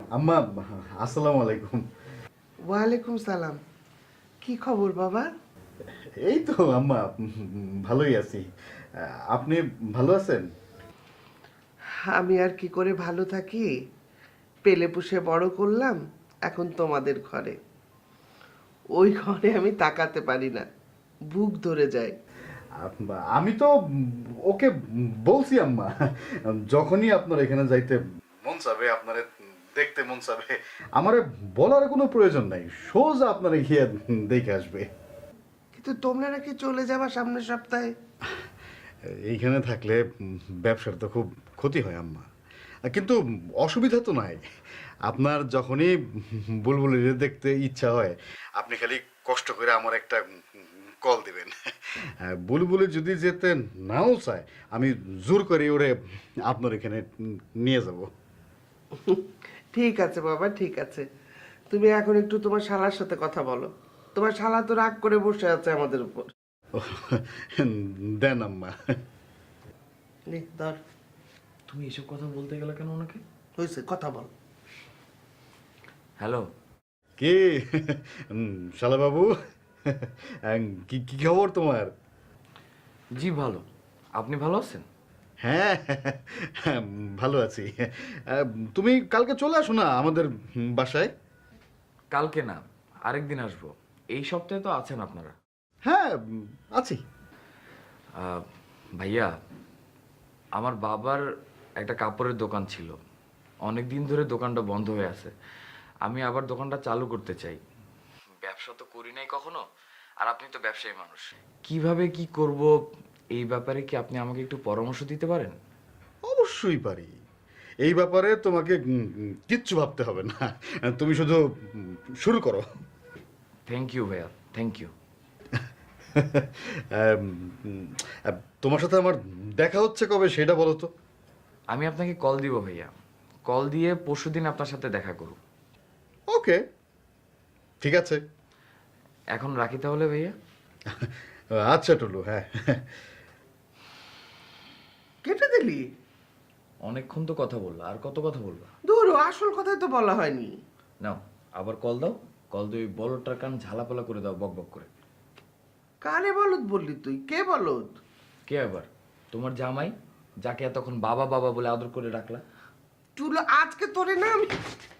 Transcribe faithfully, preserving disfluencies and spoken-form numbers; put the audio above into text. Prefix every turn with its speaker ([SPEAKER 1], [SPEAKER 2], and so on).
[SPEAKER 1] আম্মা, আসসালামু আলাইকুম।
[SPEAKER 2] ওয়ালাইকুম সালাম। কি খবর বাবা?
[SPEAKER 1] এই তো আম্মা, ভালোই আছি। আপনি ভালো আছেন?
[SPEAKER 2] আমি আর কি করে ভালো থাকি, পেলে পুষে বড় করলাম, এখন তোমাদের ঘরে। ওই ঘরে আমি তাকাতে পারি না, বুক ধরে যায়।
[SPEAKER 1] আম্মা, আমি তো ওকে বলছি আম্মা, যখনই আপনার এখানে যাইতে মন চাবে, আপনারে দেখতে মন চাবে, আমারে বলার কোনো প্রয়োজন নাই, সোজা আপনারে গিয়ে দেখে আসবে।
[SPEAKER 2] কিন্তু তোমরা নাকি চলে যাবা সামনের সপ্তাহে?
[SPEAKER 1] এইখানে থাকলে ব্যবসার তো খুব ক্ষতি হয় আম্মা, কিন্তু অসুবিধা তো নাই। আপনার যখনই বুলবুলিরে দেখতে ইচ্ছা হয়, আপনি খালি কষ্ট করে আমার একটা কল দিবেন। বুলবুলি যদি যেতে নাও চায়, আমি জোর করে ওরে আপনার এখানে নিয়ে যাব।
[SPEAKER 2] ঠিক আছে বাবা, ঠিক আছে। তুমি এখন একটু তোমার শালার সাথে কথা বলো। তোমার শালা তো রাগ করে বসে আছে আমাদের উপর।
[SPEAKER 1] দেন আম্মা।
[SPEAKER 2] নে ধর।
[SPEAKER 3] তুমি এসব কথা বলতে গেলে কেন ওনাকে?
[SPEAKER 2] হয়েছে, কথা বল।
[SPEAKER 3] হ্যালো।
[SPEAKER 1] কে? শালা বাবু, কি কি খবর তোমার?
[SPEAKER 3] জি ভালো। আপনি ভালো আছেন?
[SPEAKER 1] হ্যাঁ, ভালো আছি। তুমি কালকে চলে আসো না আমাদের বাসায়।
[SPEAKER 3] কালকে না, আরেকদিন আসবো। এই সপ্তাহে তো আছেন আপনারা?
[SPEAKER 1] হ্যাঁ, আছি।
[SPEAKER 3] আহ, ভাইয়া, আমার বাবার একটা কাপড়ের দোকান ছিল, অনেক দিন ধরে দোকানটা বন্ধ হয়ে আছে। আমি আবার দোকানটা চালু করতে চাই। ব্যবসা তো করি নাই কখনো, আর আপনি তো ব্যবসায়ী মানুষ। কিভাবে কি করব, এই ব্যাপারে কি আপনি আমাকে একটু পরামর্শ দিতে পারেন?
[SPEAKER 1] অবশ্যই পারি। এই ব্যাপারে তোমাকে উম, উম, কিচ্ছু ভাবতে হবে না, তুমি শুধু উম, শুরু করো।
[SPEAKER 3] থ্যাংক ইউ ভাইয়া, thank you.
[SPEAKER 1] Um, um, ah, তোমার সাথে আমার দেখা হচ্ছে কবে সেটা বলো তো।
[SPEAKER 3] আমি আপনাকে কল দিব ভাইয়া, কল দিয়ে পরশুদিন আপনার সাথে দেখা করব।
[SPEAKER 1] ওকে, ঠিক আছে।
[SPEAKER 3] এখন রাখি তাহলে ভাইয়া।
[SPEAKER 1] আচ্ছা টুলু, হ্যাঁ।
[SPEAKER 2] কেটে দিলি?
[SPEAKER 3] অনেকক্ষণ তো কথা বললো, আর কত কথা বলবো?
[SPEAKER 2] ধরো, আসল কথাই তো বলা হয়নি।
[SPEAKER 3] নাও আবার কল দাও, কল দিয়ে ওই বলটার কান ঝালাপালা করে দাও বক বক করে।
[SPEAKER 2] কারে বলদ বললি তুই? কে বলদ?
[SPEAKER 3] কে আবার? তোমার জামাই, যাকে এতক্ষণ বাবা বাবা বলে আদর করে রাখলা।
[SPEAKER 2] চুলো আজকে তোরে না আমি